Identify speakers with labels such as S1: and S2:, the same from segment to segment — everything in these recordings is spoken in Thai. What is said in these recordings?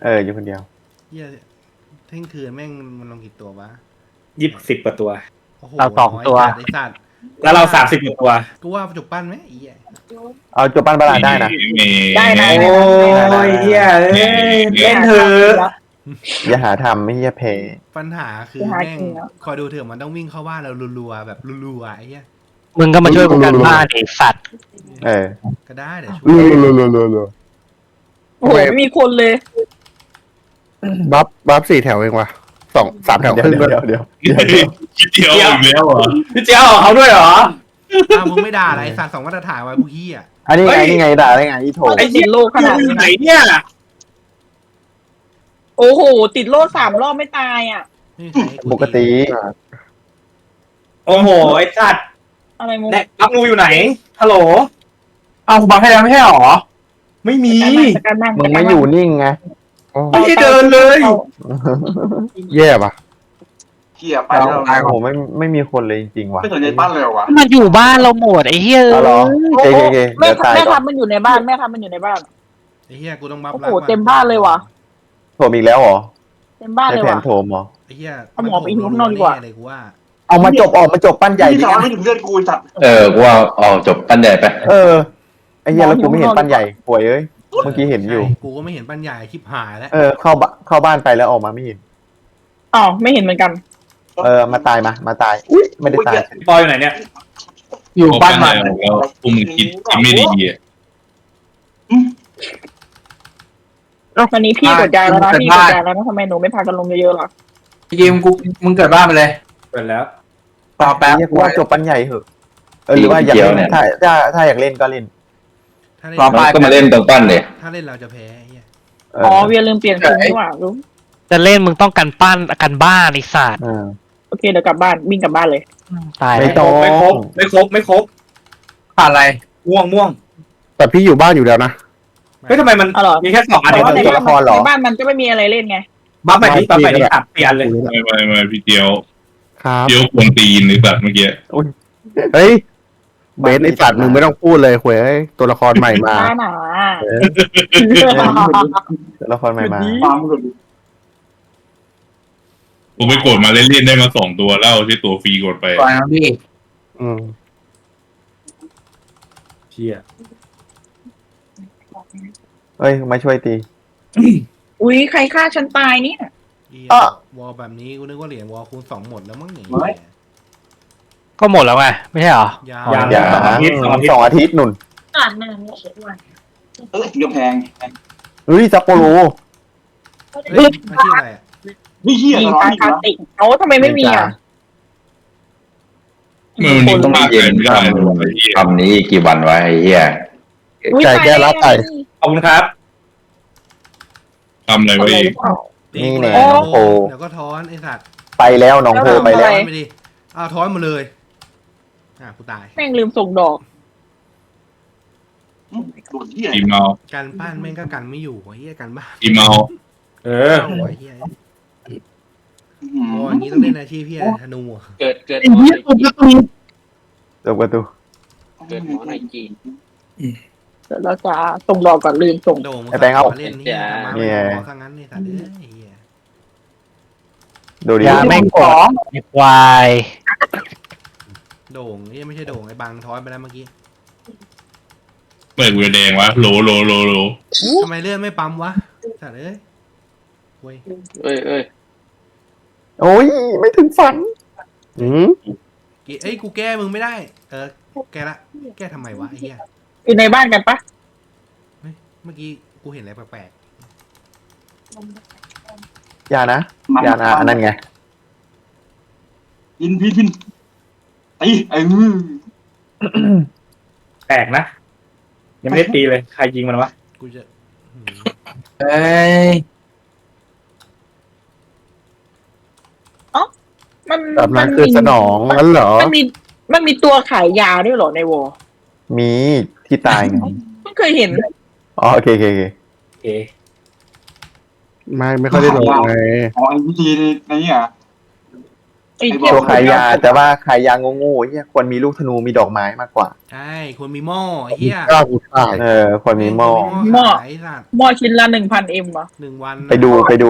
S1: อยู่คนเดียว
S2: เหี้ยเที่ยงคืนแม่งมันลงกี่ตัววะ
S3: 20 กว่าตัว
S2: โอ้โห
S4: เรา2 ตัว
S2: ไอ้สัตว์
S3: แล้วเรา30 กว่าตัว
S2: กูว่าจุกปั้นไหมไอ้เหี้ย
S1: เอาจบปั้นบาลาได้นะ
S5: ได้นะ
S3: โอ้ยเฮียเอ้ยเล่นเถอะ
S1: อย่าหาทำไม่เฮียเพ
S2: ปัญหาคือแม่งคอยดูเถอะมันต้องวิ่งเข้าบ้านเรารัวๆแบบรัวๆไอ้เหี้ย
S4: มึงก็มาช่วยกูกันบ้านไอ้สัตว์
S2: ก็ได้เดี๋ยวช่วย
S1: รัว
S5: โอ้โหไม่มีคนเลย
S6: บัฟ4 แถวเองวะ3 แถว
S1: เดี๋ย
S6: ครึ่ง
S1: วเดี๋ยวเดี๋ยว
S7: คิดเดียวอีกแล้วเหรอ
S3: พี่เจ้าเขาด้วยเหรอ
S2: อ้าวมึงไม่ด่าอะไรไอ้สัตว์สองมาตรฐานไว้พวกเหี้ย
S1: อันนี้ไง
S3: เฮ้ย
S1: นี่ไงด่าได้ไงอีโถ
S5: ไอ้ติดโลกขนาด
S3: อยู่
S5: นี้
S3: ไหนเนี่ย
S5: โอ้โหติดโลก3 รอบไม่ตายอ่ะ
S2: ไม่มีใครให้
S1: ปกติ
S3: โอ้โหไอ้สัตว์
S5: อะไรมึง
S3: แดกบักงูอยู่ไหนฮัลโหลเอาบักให้แล้วไม่ใช่หรอไม่มี
S5: การนั่ง
S1: มึงไม่อยู่นิ่งไง
S3: ไม่ได้เดินเลย
S6: แย่ปะ
S7: เหี้ยไปแล้ว
S1: โอ้โหไม่มีคนเลยจริงๆว่ะ
S7: ไม่สนใจบ้านเลยเหรอวะ
S4: มันอยู่บ้านเราหมดไอ้เหี้ย
S1: เอาเหรอเก
S5: แม่
S1: เดี๋ยวตาย
S5: แม่
S1: ก่อน
S5: ทำมันอยู่ในบ้านแม่ทำมันอยู่ในบ้าน
S2: ไอ้เหี้ยกูต้องบัฟ
S5: โอ้โห
S2: รักว่ะ
S5: เต็มบ้านเลยว่ะ
S1: โถมอีกแล้วเหรอ
S5: เต็มบ้าน
S1: ใน
S5: เลย
S1: แผน
S5: ว่ะ
S1: โถมเหรอ
S2: ไอ้เหี้ย
S5: เอาหมอไปหิวข้างนอกดีกว่า
S2: แเลยกูว่า
S1: เอามาจบปั้นใหญ่
S7: พี่
S1: ดิ
S7: สอนไม่ถึงเลือดกูจัด
S8: กูว่าเอาจบปั้นใหญ่ไป
S1: ไอ้เหี้ยแล้วกูไม่เห็นปั้นใหญ่ป่วยเอ้ยเมื่อกี้เห็นอยู่
S2: ใช่กูก็ไม่เห็นปัญญาชิบหายแล้ว
S1: เข้าบ้านไปแล้วออกมาไม่เห็น
S5: อ๋อไม่เห็นเหมือนกัน
S1: มาตายมาตายอุ้ยไม่ได้ตาย
S3: ปอยอยู่ไหนเนี่ย
S6: อยู่บ้านใหม่
S7: แล้วพวกมึงคิดไม่ดีอ่ะ
S5: วันนี้พี่กดยาแล้วนะพี่กดยาแล้วนะทำไมหนูไม่พากันลงเยอะๆหรอ
S6: พี่กิมมึงเกิดบ้านไปเลย
S3: เปิดแล้ว
S6: ต่อแป๊บ
S1: เรียกว่าจบปั้นใหญ่เหอะหรือว่าอยากเล่นถ้าอยากเล่นก็เล่น
S2: ถ้าเล่น
S6: รอไป
S8: ก็มาเล่นตรงปั้นเลย
S2: ถ้าเล่นเราจะแพ้ไอ้เหี้ย
S5: อ๋อเวียลืมเปลี่ยนชุดนี่หว่ารู้
S4: จะเล่นมึงต้องกันบ้านไอ้สัตว์
S5: โอเคเดี๋ยวกลับบ้านวิ่งกลับบ้านเลย
S4: ตาย
S1: ไม่
S4: แล้ว
S1: ต้อง
S3: ไม่ครบ
S6: ขาดอะไร
S3: ม่วง
S6: แต่พี่อยู่บ้านอยู่แล้วนะ
S3: เฮ้ยทำไมมัน
S5: อ๋อเหรอ
S3: มีแค่2 อัน
S5: แต่
S3: เอง
S5: ว่าใน
S1: ตัวละครเหรอ
S5: บ้านมันก็ไม่มีอะไรเล่นไง
S3: บัฟใหม่ที่อัดเปลี่ยนเลย
S7: ไม่พี่เจียว
S6: ครับ
S7: เจียวควรตีนหรือแบบเมื่อกี้
S6: เฮ้ยเบสไอ้สัตว์มึงไม่ต้องพูดเลยเว้ยตัวละครใหม่มา
S5: หนา
S1: ตัวละครใหม่มา
S7: ความรู้สึกผมไปกดมาเล่นๆได้มา2 ตัวแล้วใช้ตัวฟรีกดไป
S6: ปล่อยนะพี่
S3: เชี่ย
S1: เฮ้ยมาช่วยตี
S5: อุ้ยใครฆ่าฉันตายเนี่ย
S2: เหี้ย
S1: อ่ะ
S2: วอลแบบนี้กูนึกว่าเหรียญวอลคูณ 2หมดแล้วมั้งอย่าง
S7: ไม่
S2: เงี้ย
S4: ก็หมดแล้วไงไม่ใช่เหรอ
S2: ยาว
S1: อย่า2 อาทิตย์นุ่น
S5: อ่านนานไม่เขียนวัน
S7: กำแพง
S1: เฮ้ยซัปโปโร
S2: เฮ้ยมันชื่ออะไรอ่ะ
S7: นี่เหี้ย
S5: มี
S7: ร้อน
S5: การ
S7: อีก
S5: คาติเอาทำไมไม่มีอ่ะ
S7: แล้วมันต้องมาเย็นไม่ได้เลยไอ้เหี้ย
S8: ทำนี้กี่วันวะไอ้เหี้ย
S6: ไก่แก้รับไก่
S3: ขอบคุณครับ
S7: ทำอะไรไว้อีก
S1: นี่แน่
S2: โอ้
S1: น้องโพ
S2: เดี๋ยวก็ท้อนไอ้สัตว์
S1: ไปแล้วน้องโพไปแล้ว
S2: ท้อนไปดิอ้าวท้อนหมดเลยกูตาย
S5: แม่งลืมส่งดอก
S7: โดนเหี้ยอีเมา
S2: การบ้านแม่งก็กันไม่อยู่ไอ้เหี้ยการบ้าน
S7: อีเมา
S3: เออ
S2: โอ้ยเหี้ยโอ้ยอย่างนี้ต้องเล่นอาชีพพี่อะไรธนูอะ
S9: เกิด
S1: จบประตู
S9: เกิดหมอในจีน
S5: เดี๋ยวเราจะส่งดอกก่อนลืมส่ง
S2: โด่ง
S1: ไอ้แบงค์เอา
S2: มาเล่นนี่มา
S1: เนี่
S2: ไม่
S1: ย
S2: ขอซะงั้นนี่สัตว์เอ้ยไอ้เหี้ย
S1: ดูดิ
S4: อย่าไม่กดไอ้ควาย
S2: โด่งนี่ไม่ใช่โด่งไอ้บางท้อนไปแล้วเมื่อกี้
S7: เปิดเวแดงวะโล
S2: ทำไมเลื่อนไม่ปั๊มวะสัตว์เอ้ยเว้ย
S9: เอ้ย
S1: โอ้ยไม่ถึงฝัน
S2: เอ้ยกูแก้มึงไม่ได้ แก้ละแก้ทำไมวะไอ้เหี้ย
S5: อยู่ในบ้านกันปะ
S2: เมื่อกี้กูเห็นอะไรแปลก
S1: อย่านะอันนั้นไง
S7: พินตีไอ้มือ
S3: แปลกนะ ยังไม่ได้ตีเลย ใครยิงมันวะ
S2: ๆกูจะหืม
S6: เอ้ย
S5: มัน
S6: แบบนั้นคือสนองงั้นเหรอ
S5: มันมีตัวขายยาด้วยเหรอในวอ
S1: มีที่ตายไง
S5: ไม่เคยเห็น
S1: อ๋อโอเค
S3: โอเค
S6: ไม่ค่อยได้ลงไง
S7: อ๋อไอ้วิธีในนี้อ่ะ
S5: ไอ้เหี้ย
S1: ตัวขายยาแต่ว่าขายยาโง่ๆเฮียควรมีลูกธนูมีดอกไม้มากกว่า
S2: ใช่คนมีหม้อไอ้เหี้ย
S6: กล้ากูตาย
S1: ควรมีหม้อ
S2: ขายสัตว์
S5: หม้อชิ้นละ1,000 M เหรอ
S2: 1 วัน
S1: ไปดู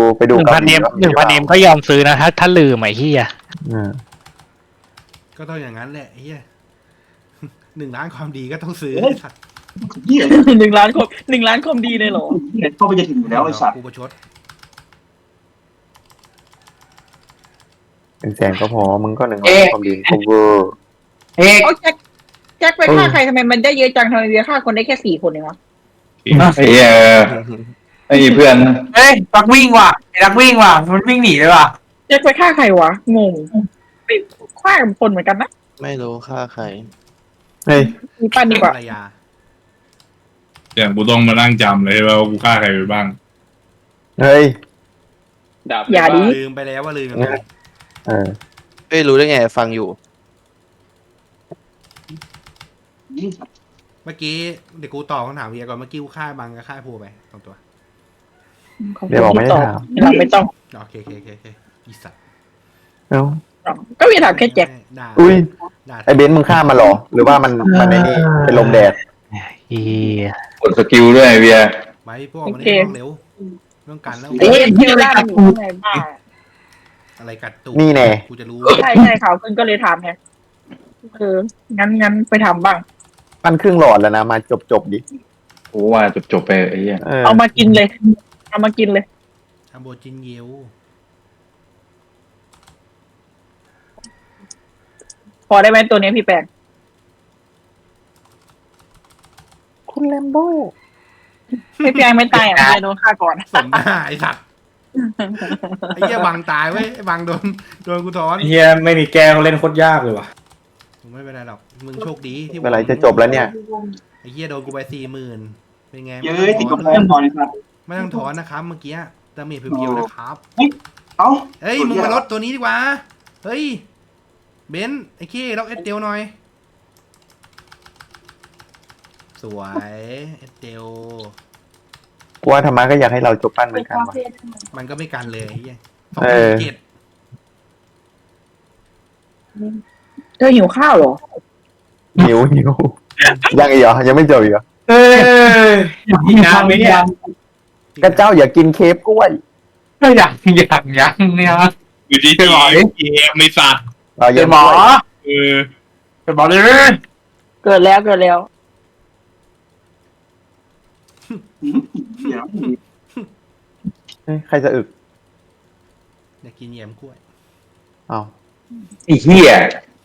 S4: 1,000 เอ็มก็ยอมซื้อนะถ้าลืมไอ้เหี้ย
S2: ก็ต้องอย่างนั้นแหละไอ้เหี้ย 1 ล้านความดีก็ต้องซื้อไอ้สัตว์
S9: เหี้ย
S5: 1 ล้านคมดีเลยเหรอ
S9: เน็ตเข้าไปจะถึงอยู่แล้วไอ้สัตว์
S2: กูประชด
S1: 100,000ก็พอมึงก็100,000ความดีคอเวอร์
S5: เอาแจ็คไปฆ่าใครทำไมมันได้เยอะจังทำไมเวียฆ่าคนได้แค่4 คนเองวะ
S8: ไอ้เหี้ยไม่มีเพื่อน
S3: เฮ้ยนักวิ่งว่ะไอ้นักวิ่งว่ะมันวิ่งหนีเลยว่ะ
S5: แจ็คไปฆ่าใครวะงงไปฆ่ากับคนเหมือนกันนะ
S10: ไม่รู้ฆ่าใคร
S1: เฮ้ย
S5: มีปั้นดีกว่า
S2: ภรรยา
S7: อย่างกูต้องมานั่งจำเลยว่ากูฆ่าใครไปบ้าง
S1: เฮ้ย
S9: ดาบ
S5: อย่าดิ
S2: ลืมไปแล้วว่าลืมกันไป
S10: ไม่รู้ได้ไงฟังอยู่
S2: เมื่อกี้เดี๋ยวกูตอบคำถามเวียก่อนเมื่อกี้กูฆ่าบังกับฆ่าภูไปสองตัว
S1: เดี๋ยวบอกไม่ได้ถาม
S5: เราไม่ต้อง
S2: โอเคอีสัตว์
S1: เอ้า
S5: ก็เวียถามแค่แจ็ค
S2: ด่า
S1: อุ้ย
S2: ด่า
S1: ไอเบนซ์มึงฆ่ามันเหรอ หรือว่ามันในนี่เป็นลมแดด
S4: เหี้ย
S8: กดสกิลด้วยเวีย
S2: ไปพวกมันนี่ต้องเร็วต้องกันแล้ว
S5: เอ๊ะเที่ยวล่ามันอยู่ไหนบ้า
S2: อะไรกัดตูด
S1: นี่แน่
S2: กูจะรู้
S5: ใช่ข่าวขึ้นก็เลยถามไงงั้นไปทำบ้าง
S1: ปั้นครึ่งหลอดแล้วนะมาจบดิ
S8: กูว่าจบไปไอ้เหี้ย
S5: เอามากินเลย
S2: ทำโบจินเยว
S5: พอได้ไหมตัวนี้พี่แปงคุณแลมโบ้พี่แปงไม่ตายอ่ะพี่โดนฆ่าก่อน
S2: สมหน้าไอ้สัตว์ไอ้เหี้ยบังตายเว้ยไอ้บังโดนกูถอน
S3: เฮียไม่มีแกงเล่นโคตรยากเลยว่ะ
S2: ไม่เป็นไรหรอกมึงโชคดีที่
S1: เมื่อไหรจะจบแล้วเนี่ย
S2: ไอ้เหี้ยโดนกูไป40,000เป็นไง
S9: เย้ยติดกับเพื่อนก่อนไอ้สัตว์
S2: ไม่ต้องถอนนะครับเมื่อกี้ดาเมจเพียวๆนะครับ
S9: เอ้า
S2: เฮ้ยมึงมาลดตัวนี้ดีกว่าเฮ้ยเบนซ์ไอ้ขี้ล็อกเอสเดลหน่อย สวยเอสเดล
S1: กูว่าธรรมะก็อยากให้เราจบปั้นเหมือนกันว่ะ
S2: มันก็ไม่กันเลยไอ้เหี้ย
S1: เออ
S2: 2007
S5: เธอหิวข้าวเหรอ
S1: หิวยังอีกเหรอยังไม่จบอีกเหรอ
S3: เอ้ยยากไหมเนี่ย
S1: ก็เจ้าอย่ากินเคฟกล้วย
S3: ยังเนี่ย
S7: อยู่ดีๆเกมในสัตว์
S1: เรา
S3: เป็
S1: ยั
S3: น
S1: ง
S3: หมอ
S7: เออ
S3: เป็นหมอเลย
S5: เกิดแล้ว
S9: เดี๋ยว
S1: เฮ้ยใครจะอึก
S2: อยากกินแยมกล้วย
S1: อ้าว
S8: ไอ้เหี้ย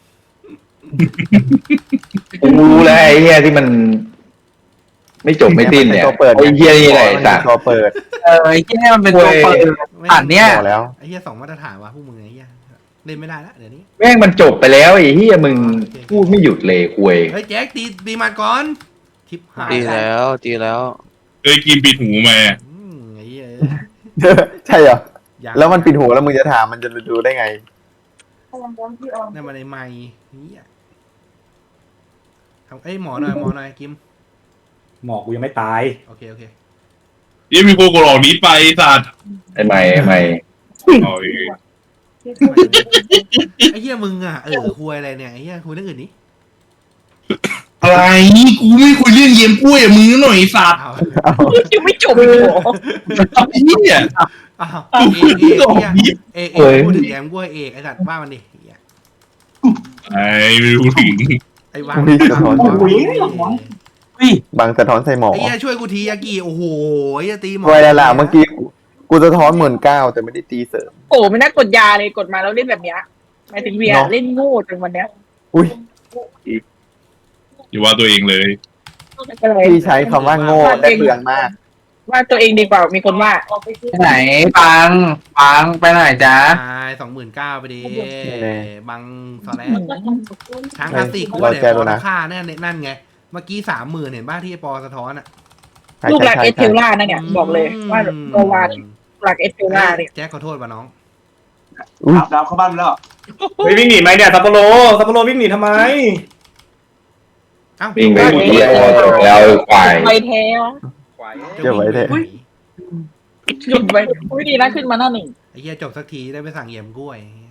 S8: กูรู้แล้วไอ้เหี้ยที่มัน ไม่จบไม่สิ้นเนี่ย
S1: ตัวเปิด
S8: ไอ้เหี้ยนี่แหละไอ้สัตว์
S1: ตัวเปิด
S3: ไอ้ที่มันเป็นตัวเปิดอ่านเนี่ย
S1: บอกแล้ว
S2: ไอ้เหี้ย2 มาตรฐานวะพวกมึงไอ้เหี้ยเล่นไม่ได้ละเดี๋ยวนี้
S8: แม่งมันจบไปแล้วไอ้เหี้ยมึงพูดไม่หยุดเลยคุย
S2: เฮ้ยแจ็คตีมาก่อนทิปหาย
S10: ดีแล้ว
S7: เคยกินปิดหูมา
S2: ไอ้เหี้ย
S1: ใช่เหรอ
S2: ยัง
S1: แล้วมันปิดหูแล้วมึงจะถามมันจะดูได้ไง
S2: นั่นมันในไม้นี่ทำเอ้ยหมอหน่อยกิม
S3: หมอกูยังไม่ตาย
S2: โอเค
S7: ยี่มีโคโกรอกนี้ไปสัตว์
S8: ไอ้ไม่
S7: อ๋อ
S2: ไอ้เหี้ยมึงอ่ะคุยอะไรเนี่ยไอ้เหี้ยคุยเรื่องอื่นนี้
S7: อะไรกูไม่คุยเรื่องเยี่ยมกล้วยมึงหน่อยสัตว์
S2: อ้าว
S5: ยังไม่จบอีกเหรอ
S7: ไอ้เหี้ย
S2: เอกพูดถึงแยมกล้วยเอกไอ้สัตว์ว่ามันดิ
S7: ไอ้ไม่รู้ถึง
S2: ไอ้วาง
S1: บางสะท้อนใส่หมอ
S2: ไอ้เหี้ยช่วยกูทียากิโอ้โหไอ้ตีหมอ
S1: ไว้แล้วล่ะเมื่อกี้กูสะท้อน19,000แต่ไม่ได้ตีเสริม
S5: โอ้ไม่น่ากดยาเลยกดมาแล้วเล่นแบบเนี้ยหมายถึงเวียเล่นโง่จนวันเนี้ย
S1: อุ้ย
S7: อย่าว่าตัวเองเลย
S1: พี่ใช้คำว่าโง่ได้เปลืองมาก
S5: ว่าตัวเองดีกว่ามีคนว่า
S3: ไปไหนปังไปไหนจ๊ะ
S2: ตาย29,000ไปดิ
S1: แน่
S2: บังสแลนทางคลาสสิกกูว่าเดี๋ยวพอราคาแน่นั่นไงเมื่อกี้30,000เห็นบ้าที่ปอสะท้อนอ่ะ
S5: ลูกหลักเอสเทลล่านั่นเนี่ยบอกเลยว่าโกวาหลักเอสเทลล่าเนี่ย
S2: แจ็คขอโทษป่ะน้อง
S9: ดาวเข้าบ้านไปแล้ว
S3: เฮ้ยวิ่งหนีไหมเนี่ยซัปโปโรวิ่งหนีทำไม
S8: วิ่งไปเหี้ยจบแล้วควาย
S5: ไปแท้
S1: เก็บไว้เถอะ
S5: หยุดไปอุ้ยดีนะขึ้นมาหน้าหนึ่ง
S2: ไอ้เหี้ยจบสักทีได้ไปสั่งเยี่ยมกล้วย